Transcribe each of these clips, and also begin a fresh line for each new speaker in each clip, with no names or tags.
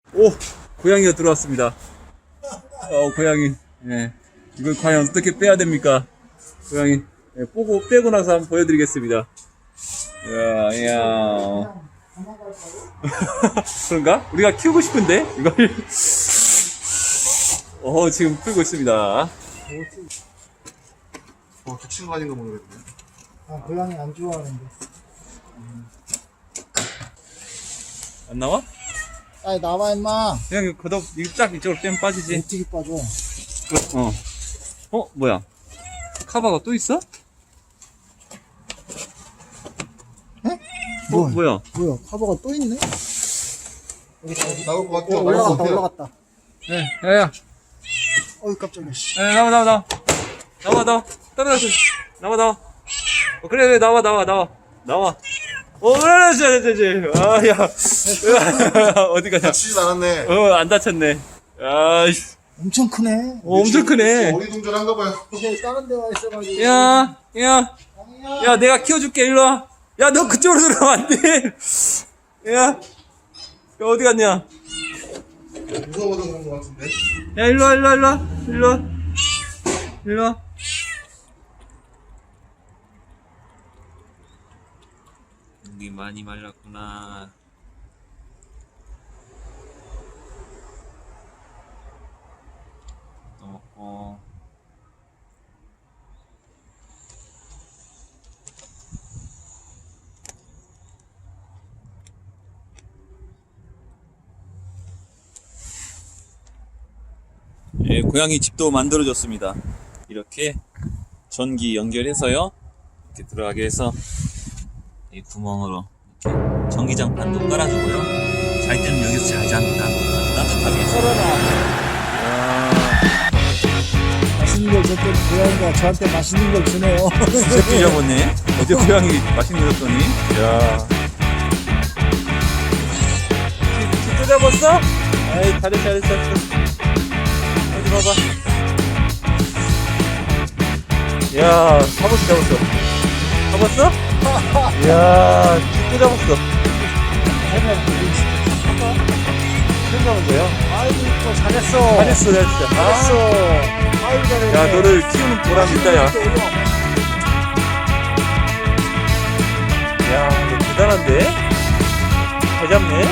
오, 고양이가 들어왔습니다. 고양이. 예. 이걸 과연 어떻게 빼야 됩니까? 고양이. 예, 빼고 나서 한번 보여드리겠습니다. 이야. 그런가? 우리가 키우고 싶은데? 이걸. 지금 풀고 있습니다.
다친 거 아닌가 모르겠네.
고양이 안 좋아하는데.
안 나와?
아이, 나와, 임마.
그냥 걷어, 이거 쫙 이쪽으로 빼면 빠지지.
어떻게 빠져?
뭐야? 카바가 또 있어? 뭐야?
뭐야, 카버가 또 있네?
나올 것 같아.
올라갔다.
야야.
어이, 깜짝이야, 씨.
나와. 떨어져. 나와. 그래, 나와. 그래. 야. 어디 가냐?
다치진 않았네.
안 다쳤네. 아이씨.
엄청 크네.
엄청 크네.
어리둥절한가 봐요.
이게 다른 데 와 있어가지고.
야, 내가 키워줄게, 일로 와. 야, 너 그쪽으로 들어가면 안 돼. 야, 어디 갔냐?
무서워서 그런 것 같은데.
야, 일로 와. 목이 많이 말랐구나. 또 먹고. 예, 고양이 집도 만들어줬습니다. 이렇게 전기 연결해서요, 이렇게 들어가게 해서 이 구멍으로 이렇게 전기장판도 깔아주고요. 잘 때는 여기서 잘 잡니다. 아주 따뜻하게.
맛있는 걸 줬더니 고양이가 저한테 맛있는 걸 주네요.
새끼 잡았네. 어제 고양이 맛있는 거 줬더니. 야. 또 잡았어? 아이, 잘했어. 어디 봐봐. 야, 잡았어. 잡았어? 이야, 또 잡았어. 처음 잡은 거야?
아이고, 잘했어.
잘했어.
아이고, 잘했네.
야, 너를 키우는 보람이 있다, 야. 야, 너 대단한데? 잘 잡네?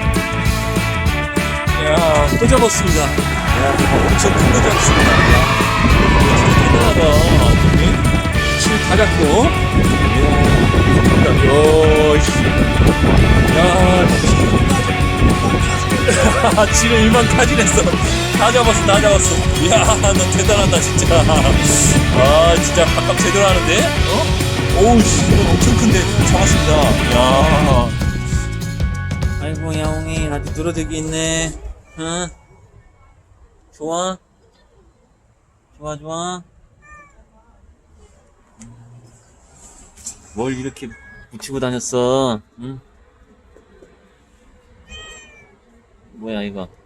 야, 또 잡았습니다. 야, 엄청 큰 거 잡았습니다. 야, 진짜 대단하다. 다 잡고. 야, 지금 일만 타진했어. 다 잡았어. 이야, 너 대단하다, 진짜. 진짜 밥값 제대로 하는데? 오우, 이건 엄청 큰데 잡았습니다. 야. 아이고, 야옹이, 아주 늘어지기 있네. 응? 좋아? 뭘 이렇게 붙이고 다녔어? 응? 뭐야, 이거?